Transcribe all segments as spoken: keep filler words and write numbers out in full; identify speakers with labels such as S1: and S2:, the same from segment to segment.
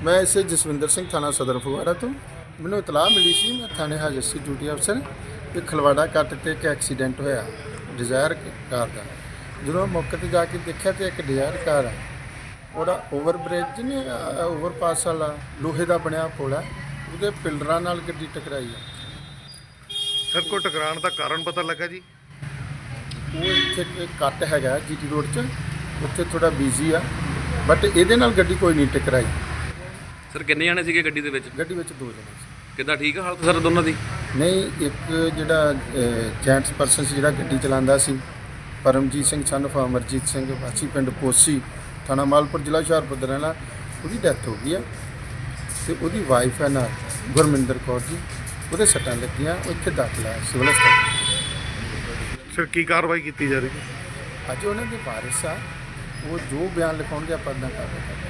S1: ਮੈਂ ਇਸੇ ਜਸਵਿੰਦਰ ਸਿੰਘ ਥਾਣਾ ਸਦਰ ਫਗਵਾੜਾ ਤੋਂ ਮੈਨੂੰ ਇਤਲਾਹ ਮਿਲੀ ਸੀ। ਮੈਂ ਥਾਣੇ ਹਾਜ਼ਰ ਸੀ ਡਿਊਟੀ ਅਫਸਰ ਕਿ ਖਲਵਾੜਾ ਕੱਟ ਤੇ ਇੱਕ ਐਕਸੀਡੈਂਟ ਹੋਇਆ ਡਿਜ਼ਾਇਰ ਕਾਰ ਦਾ। ਜਦੋਂ ਮੌਕੇ ਤੇ ਜਾ ਕੇ ਦੇਖਿਆ ਤੇ ਇੱਕ ਡਿਜ਼ਾਇਰ ਕਾਰ ਆ, ਉਹਦਾ ਓਵਰ ਬ੍ਰਿਜ ਨੇ ਓਵਰਪਾਸ ਵਾਲਾ ਲੋਹੇ ਦਾ ਬਣਿਆ ਪੁਲ ਆ, ਉਹਦੇ ਪਿਲਰਾਂ ਨਾਲ ਗੱਡੀ ਟਕਰਾਈ ਆ।
S2: ਸਰ ਕੋ ਟਕਰਾਉਣ ਦਾ ਕਾਰਨ ਪਤਾ ਲੱਗਾ ਜੀ?
S1: ਉਹ ਇੱਥੇ ਇੱਕ ਕੱਟ ਹੈਗਾ ਜੀਟੀ ਰੋਡ 'ਚ, ਉੱਥੇ ਥੋੜਾ ਬਿਜ਼ੀ ਆ, ਬਟ ਇਹਦੇ ਨਾਲ ਗੱਡੀ ਕੋਈ ਨਹੀਂ ਟਕਰਾਈ।
S3: ਸਰ ਕਿੰਨੇ ਜਾਣੇ ਸੀਗੇ ਗੱਡੀ ਦੇ ਵਿੱਚ?
S1: ਗੱਡੀ ਵਿੱਚ ਦੋ ਜਣੇ ਸੀ।
S3: ਕਿੱਦਾਂ ਠੀਕ ਆ ਹਾਲਤ ਸਰ ਦੋਨਾਂ ਦੀ?
S1: ਨਹੀਂ, ਇੱਕ ਜਿਹੜਾ ਜੈਂਟਸ ਪਰਸਨ ਸੀ ਜਿਹੜਾ ਗੱਡੀ ਚਲਾਉਂਦਾ ਸੀ, ਪਰਮਜੀਤ ਸਿੰਘ ਸਨ ਆਫ ਅਮਰਜੀਤ ਸਿੰਘ ਵਾਸੀ ਪਿੰਡ ਪੋਸੀ ਥਾਣਾ ਮਾਲਪੁਰ ਜ਼ਿਲ੍ਹਾ ਹੁਸ਼ਿਆਰਪੁਰ ਦਾ ਰਹਿਣ ਵਾਲਾ, ਉਹਦੀ ਡੈਥ ਹੋ ਗਈ ਆ। ਤੇ ਉਹਦੀ ਵਾਈਫ ਹੈ ਨਾਲ ਗੁਰਮਿੰਦਰ ਕੌਰ ਜੀ, ਉਹਦੇ ਸੱਟਾਂ ਲੱਗੀਆਂ, ਉਹ ਇੱਥੇ ਦਾਖਲ ਹੈ ਸਿਵਲ ਹਸਪਤਾਲ।
S2: ਸਰ ਕੀ ਕਾਰਵਾਈ ਕੀਤੀ ਜਾ ਰਹੀ ਹੈ?
S1: ਅੱਜ ਉਹਨਾਂ ਦੇ ਵਾਰਿਸ ਆ, ਉਹ ਜੋ ਬਿਆਨ ਲਿਖਾਉਣਗੇ ਆਪਾਂ ਇੱਦਾਂ ਕਾਰਵਾਈ ਕਰਾਂਗੇ।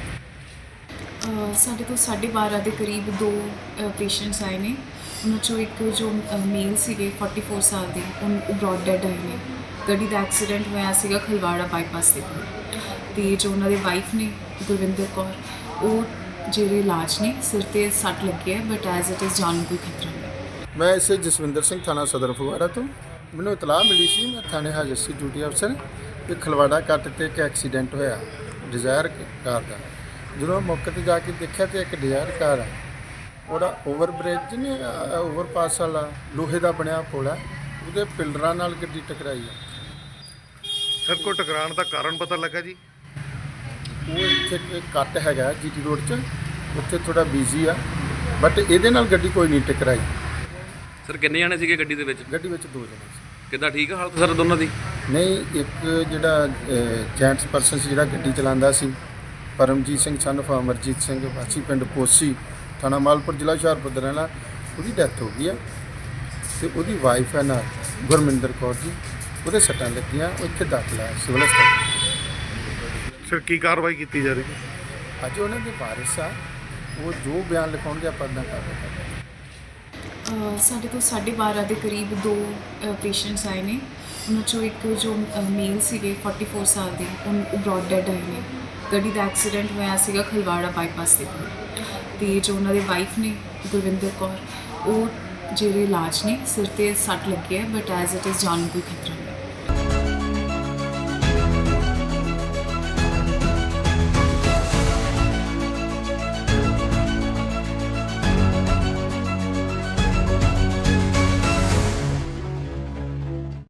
S4: ਸਾਡੇ ਕੋਲ ਸਾਢੇ ਬਾਰਾਂ ਦੇ ਕਰੀਬ ਦੋ ਪੇਸ਼ੈਂਟਸ ਆਏ ਨੇ। ਉਹਨਾਂ 'ਚੋਂ ਇੱਕ ਜੋ ਮੇਲ ਸੀਗੇ ਚੌਂਤਾਲੀ ਸਾਲ ਦੇ, ਉਹ ਬ੍ਰੌਡ ਡੈਡ ਆਏ ਨੇ। ਗੱਡੀ ਦਾ ਐਕਸੀਡੈਂਟ ਹੋਇਆ ਸੀਗਾ ਖਲਵਾੜਾ ਬਾਈਪਾਸ ਦੇ ਕੋਲ। ਅਤੇ ਜੋ ਉਹਨਾਂ ਦੇ ਵਾਈਫ ਨੇ ਗੁਰਵਿੰਦਰ ਕੌਰ, ਉਹ ਜਿਹੜੇ ਇਲਾਜ ਨੇ, ਸਿਰ 'ਤੇ ਸੱਟ ਲੱਗੀ ਹੈ, ਬਟ ਐਜ਼ ਇਟ ਇਜ਼ ਜਾਨ ਨੂੰ ਕੋਈ ਖਤਰਾ ਨਹੀਂ।
S1: ਮੈਂ ਇਸੇ ਜਸਵਿੰਦਰ ਸਿੰਘ ਥਾਣਾ ਸਦਰ ਫਗਵਾੜਾ ਤੋਂ ਮੈਨੂੰ ਇਤਲਾਹ ਮਿਲੀ ਸੀ। ਮੈਂ ਥਾਣੇ ਹਾਜ਼ਰ ਸੀ ਡਿਊਟੀ ਅਫਸਰ ਕਿ ਖਲਵਾੜਾ ਕੱਟ ਤੇ ਇੱਕ ਐਕਸੀਡੈਂਟ ਹੋਇਆ ਡਿਜ਼ਾਇਰ ਕਾਰ ਦਾ। ਜਦੋਂ ਮੌਕੇ ਤੇ ਜਾ ਕੇ ਦੇਖਿਆ ਤੇ ਇੱਕ ਡਿਜ਼ਾਇਰ ਕਾਰ ਆ, ਉਹਦਾ ਓਵਰ ਬ੍ਰਿਜ ਨੇ ਓਵਰਪਾਸ ਵਾਲਾ ਲੋਹੇ ਦਾ ਬਣਿਆ ਪੁਲ ਆ, ਉਹਦੇ ਪਿਲਰਾਂ ਨਾਲ ਗੱਡੀ ਟਕਰਾਈ ਆ।
S2: ਸਰ ਕੋ ਟਕਰਾਉਣ ਦਾ ਕਾਰਨ ਪਤਾ ਲੱਗਾ ਜੀ?
S1: ਉਹ ਇੱਥੇ ਇੱਕ ਕੱਟ ਹੈਗਾ ਜੀਟੀ ਰੋਡ 'ਚ, ਉੱਥੇ ਥੋੜਾ ਬਿਜ਼ੀ ਆ, ਬਟ ਇਹਦੇ ਨਾਲ ਗੱਡੀ ਕੋਈ ਨਹੀਂ ਟਕਰਾਈ।
S3: ਸਰ ਕਿੰਨੇ ਜਾਣੇ ਸੀਗੇ ਗੱਡੀ ਦੇ ਵਿੱਚ?
S1: ਗੱਡੀ ਵਿੱਚ ਦੋ ਜਣੇ ਸੀ।
S3: ਕਿੱਦਾਂ ਠੀਕ ਆ ਹਾਲਤ ਸਰ ਦੋਨਾਂ ਦੀ?
S1: ਨਹੀਂ, ਇੱਕ ਜਿਹੜਾ ਜੈਂਟਸ ਪਰਸਨ ਸੀ ਜਿਹੜਾ ਗੱਡੀ ਚਲਾਉਂਦਾ ਸੀ, ਪਰਮਜੀਤ ਸਿੰਘ ਸਨ ਆਫ ਅਮਰਜੀਤ ਸਿੰਘ ਵਾਸੀ ਪਿੰਡ ਪੋਸੀ ਥਾਣਾ ਮਾਲਪੁਰ ਜ਼ਿਲ੍ਹਾ ਹੁਸ਼ਿਆਰਪੁਰ ਦਾ ਰਹਿਣ ਵਾਲਾ, ਉਹਦੀ ਡੈਥ ਹੋ ਗਈ ਆ। ਤੇ ਉਹਦੀ ਵਾਈਫ ਹੈ ਨਾਲ ਗੁਰਮਿੰਦਰ ਕੌਰ ਜੀ, ਉਹਦੇ ਸੱਟਾਂ ਲੱਗੀਆਂ, ਉਹ ਇੱਥੇ ਦਾਖਲ ਹੈ ਸਿਵਲ ਹਸਪਤਾਲ।
S2: ਸਰ ਕੀ ਕਾਰਵਾਈ ਕੀਤੀ ਜਾ ਰਹੀ ਹੈ?
S1: ਅੱਜ ਉਹਨਾਂ ਦੇ ਵਾਰਿਸ ਆ, ਉਹ ਜੋ ਬਿਆਨ ਲਿਖਾਉਣਗੇ ਆਪਾਂ ਇੱਦਾਂ ਕਾਰਵਾਈ ਕਰਾਂਗੇ।
S4: ਸਾਡੇ ਕੋਲ ਸਾਢੇ ਬਾਰਾਂ ਦੇ ਕਰੀਬ ਦੋ ਪੇਸ਼ੈਂਟਸ ਆਏ ਨੇ। ਉਹਨਾਂ 'ਚੋਂ ਇੱਕ ਜੋ ਮੇਲ ਸੀਗੇ ਚੌਂਤਾਲੀ ਸਾਲ ਦੇ, ਉਹ ਬ੍ਰੌਡ ਡੈਡ ਆਏ ਨੇ। ਗੱਡੀ ਦਾ ਐਕਸੀਡੈਂਟ ਹੋਇਆ ਸੀਗਾ ਖਲਵਾੜਾ ਬਾਈਪਾਸ ਦੇ ਕੋਲ। ਅਤੇ ਜੋ ਉਹਨਾਂ ਦੇ ਵਾਈਫ ਨੇ ਗੁਰਵਿੰਦਰ ਕੌਰ, ਉਹ ਜਿਹੜੇ ਇਲਾਜ ਨੇ, ਸਿਰ 'ਤੇ ਸੱਟ ਲੱਗੀ ਹੈ, ਬਟ ਐਜ਼ ਇਟ ਇਜ਼ ਜਾਨ ਨੂੰ ਕੋਈ ਖਤਰਾ ਨਹੀਂ।